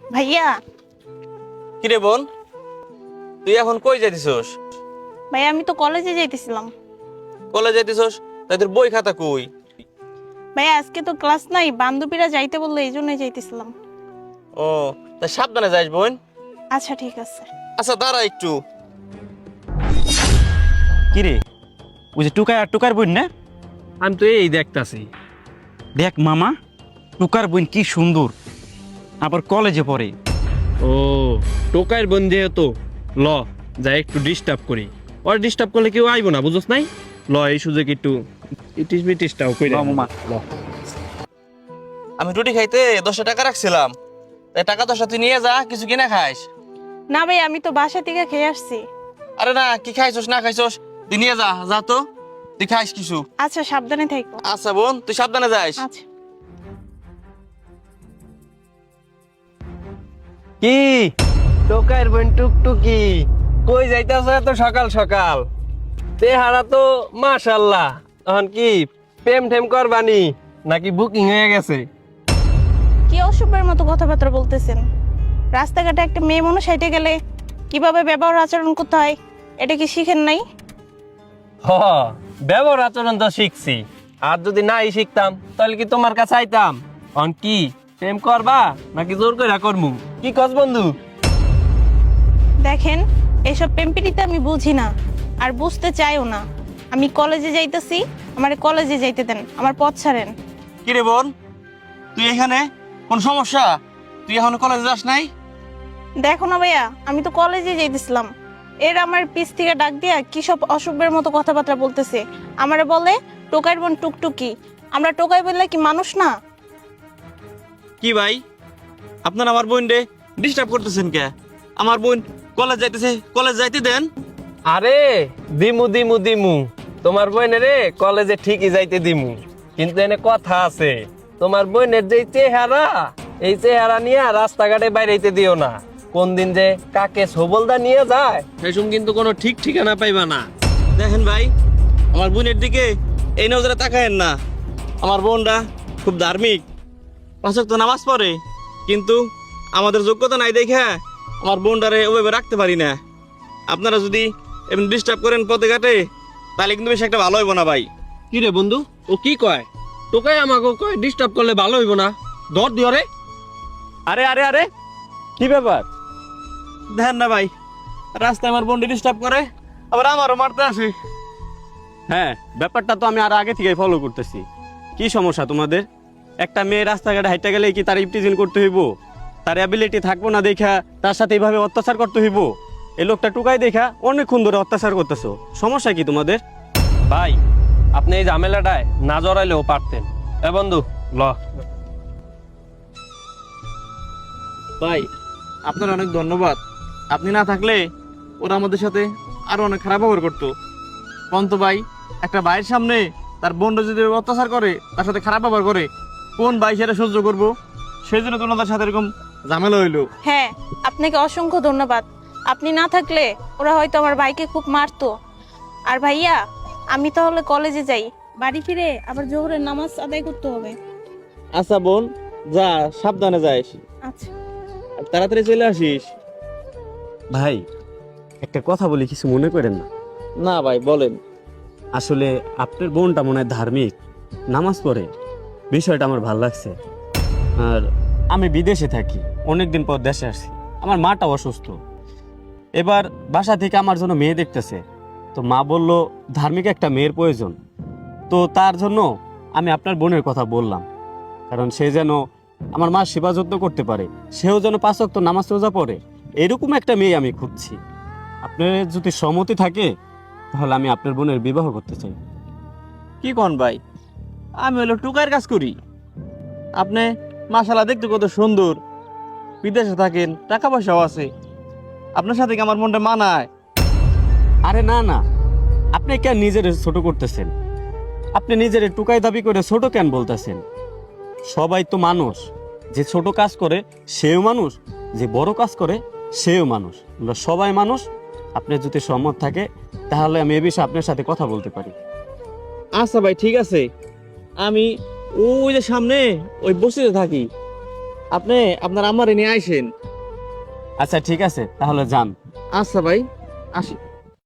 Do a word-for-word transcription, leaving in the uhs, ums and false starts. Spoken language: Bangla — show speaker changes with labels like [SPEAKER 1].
[SPEAKER 1] ভাইয়া।
[SPEAKER 2] কিরে বোন, তুই এখন কই যাইতেছস?
[SPEAKER 1] ভাইয়া আমি তো কলেজে যাইতেছিলাম।
[SPEAKER 2] কলেজ যাইতেছস? তাই তোর বই খাতা কই?
[SPEAKER 1] ভাইয়া আজকে তো ক্লাস নাই, বান্ধবীরা যাইতে বললো এই জন্যই যাইতেছিলাম।
[SPEAKER 2] ও, তাই সাবধানে যাইস বোন।
[SPEAKER 1] আচ্ছা ঠিক আছে।
[SPEAKER 2] আচ্ছা দাঁড়া একটু।
[SPEAKER 3] কিরে, ওই যে টুকাই আর টুকার বোন না?
[SPEAKER 4] আমি তো এই দেখতাছি।
[SPEAKER 3] দেখ মামা, টুকার বোন কি সুন্দর, আবার কলেজে পড়ে।
[SPEAKER 4] ও, টোকাইয়ের বোন যেহেতু, ল যাই একটু ডিস্টার্ব করি। ওর ডিস্টার্ব করলে কেউ আইব না, বুঝছ নাই? ল এই সুযোগ একটু ইটিস বিটিসটাও কই
[SPEAKER 3] ল মামা, ল।
[SPEAKER 2] আমি রুটি খাইতে দশটা টাকা রাখছিলাম, তাই টাকা দশটা তুই নিয়ে যা, কিছু কিনা খাইস।
[SPEAKER 1] না ভাই, আমি তো বাসা থেকে খেয়ে আসছি।
[SPEAKER 2] আরে না, কি খাইছস না খাইছস তুই নিয়ে যা, যা তো তুই খাইস কিছু।
[SPEAKER 1] আচ্ছা সাবধানে থাকো।
[SPEAKER 2] আচ্ছা বোন, তুই সাবধানে যাইস।
[SPEAKER 1] আচ্ছা।
[SPEAKER 4] কি টোকাইয়ের বোন টুকটুকি, কই যাইতাছ এত সকাল সকাল? তেহারা তো মাশাআল্লাহ। তখন কি প্রেম ঠেম করবানি নাকি বুকিং হয়ে গেছে?
[SPEAKER 1] কি অসভ্যের মতো কথাবার্তা বলতেছেন? রাস্তাঘাটে একটা মেয়ে মানুষ হেঁটে গেলে কিভাবে ব্যবহার আচরণ করতে হয় এটা কি শিখেন নাই?
[SPEAKER 4] হ, ব্যবহার আচরণ তো শিখছি। আর যদি নাই শিখতাম তাহলে কি তোমার কাছে আইতাম? অন কি প্রেম করবা নাকি জোর করে করমু? কি কস বন্ধু?
[SPEAKER 1] দেখেন, এইসব পেম্পিটিতে আমি বুঝি না, আর বুঝতে চাইও না। আমি কলেজে যাইতেছি, আমার কলেজে যাইতে দেন, আমার পথ ছাড়েন।
[SPEAKER 2] কিরে বোন, তুই এখানে কোন সমস্যা? তুই এখন কলেজে যাস নাই?
[SPEAKER 1] দেখো না ভাইয়া, আমি তো কলেজে যাইতেছিলাম, এর আমার পিছ থেকে ডাক দিয়া কি সব অসভ্যের মতো কথাবার্তা বলতেছে। আমারে বলে টোকাইয়ের বোন টুকটুকি। আমরা টোকাই বললে কি মানুষ না?
[SPEAKER 2] কি ভাই, আপনার আমার বোন রে ডিস্টার্ব করতেছেন কে? আমার বোন কলেজ যাইতেছে, কলেজ যাইতে দেন।
[SPEAKER 4] আরে দিমু দিমু দিমু, তোমার বোনের রে কলেজে ঠিকই যাইতে দিমু, কিন্তু এনে কথা আছে। তোমার বোনের যে চেহারা, এই চেহারা নিয়ে রাস্তাঘাটে বাইরেতে দিও না। কোন দিন যে কাকে সবলদা নিয়ে যায় সেসম কিন্তু কোনো ঠিক ঠিকানা পাইবা না।
[SPEAKER 2] দেখেন ভাই, আমার বোনের দিকে এই নজরে তাকায়েন না। আমার বোনরা খুব ধার্মিক, পাঁচ ওয়াক্ত নামাজ পড়ে, কিন্তু আমাদের যোগ্যতা নাই দেখে আমার বোনটারে ওভাবে রাখতে পারি না। আপনারা যদি এমনি ডিস্টার্ব করেন পথে ঘাটে, তাহলে কিন্তু বেশি একটা ভালো হইব না ভাই।
[SPEAKER 4] কি রে বন্ধু, ও কি কয়? তোকে আমাকে কয় ডিস্টার্ব করলে ভালো হইব না? দর দিও রে।
[SPEAKER 3] আরে আরে আরে, কি ব্যাপার?
[SPEAKER 2] দেখেন না ভাই, রাস্তায় আমার বোনটি ডিস্টার্ব করে, আবার আমারও মারতে আসে।
[SPEAKER 3] হ্যাঁ, ব্যাপারটা তো আমি আর আগে থেকেই ফলো করতেছি। কি সমস্যা তোমাদের? একটা মেয়ে রাস্তাঘাটে হাইটা গেলে কি তার ইপটিজিন করতে হইব? তার অ্যাবিলিটি থাকবো না দেখা তার সাথে এইভাবে অত্যাচার করতে হইব? এই লোকটা টুকাই দেখা অনেকক্ষণ ধরে অত্যাচার করতেছো, সমস্যা কি তোমাদের?
[SPEAKER 4] ভাই, আপনি এই ঝামেলাটায় না জড়াইলেও পারতেন। এ বন্ধু, ল।
[SPEAKER 2] ভাই, আপনার অনেক ধন্যবাদ। আপনি না থাকলে ওরা আমাদের সাথে আরো অনেক খারাপ ব্যবহার করতো। পন্ত ভাই, একটা ভাইয়ের সামনে তার বোনরা যদি অত্যাচার করে, তার সাথে খারাপ ব্যবহার করে, কোন ভাই সেটা সহ্য করবো? সেই জন্য তোমাদের সাথে এরকম ঝামেলা হইলো।
[SPEAKER 1] হ্যাঁ, আপনাকে অসংখ্য ধন্যবাদ। আপনি না থাকলে ওরা হয়তো আমার ভাইকে খুব মারতো। আর ভাইয়া, আমি তাহলে কলেজে যাই, বাড়ি ফিরে আবার জোহরের নামাজ আদায় করতে হবে।
[SPEAKER 2] আচ্ছা বোন, যা, সাবধানে যাইস,
[SPEAKER 1] আচ্ছা।
[SPEAKER 2] আর তাড়াতাড়ি চলে আসিস।
[SPEAKER 3] ভাই, একটা কথা বলি, কিছু মনে করেন না।
[SPEAKER 2] না ভাই, বলেন।
[SPEAKER 3] আসলে আপনার বোনটা মনে হয় ধার্মিক, নামাজ পড়ে, বিষয়টা আমার ভালো লাগছে। আর আমি বিদেশে থাকি, অনেকদিন পর দেশে আসছি, আমার মাটা অসুস্থ। এবার বাসা থেকে আমার জন্য মেয়ে দেখতেছে, তো মা বলল ধার্মিক একটা মেয়ের প্রয়োজন। তো তার জন্য আমি আপনার বোনের কথা বললাম, কারণ সে যেন আমার মার সেবা যত্ন করতে পারে, সেও যেন পাঁচ ওয়াক্ত নামাজ রোজা পড়ে, এরকম একটা মেয়ে আমি খুঁজছি। আপনার যদি সম্মতি থাকে তাহলে আমি আপনার বোনের বিবাহ করতে চাই।
[SPEAKER 2] কি কোন ভাই, আমি হলো টুকার কাজ করি। আপনি মাশাআল্লাহ দেখতে কত সুন্দর, বিদেশে থাকেন, টাকা পয়সাও আছে, আপনার সাথে কি আমার মনটা মানায়?
[SPEAKER 3] আরে না না, আপনি কেন নিজের ছোট করতেছেন? আপনি নিজের টুকাই দাবি করে ছোট কেন বলতেছেন? সবাই তো মানুষ, যে ছোট কাজ করে সেও মানুষ, যে বড় কাজ করে সেও মানুষ, আমরা সবাই মানুষ। আপনি যদি সম্মত থাকে তাহলে আমি এ বিষয়ে আপনার সাথে কথা বলতে পারি।
[SPEAKER 2] আচ্ছা ভাই, ঠিক আছে। আমি ওই যে সামনে ওই বসিতে থাকি, আপনি আপনার আম্মারে নিয়ে আইসেন।
[SPEAKER 3] আচ্ছা ঠিক আছে, তাহলে যান।
[SPEAKER 2] আচ্ছা ভাই, আসি।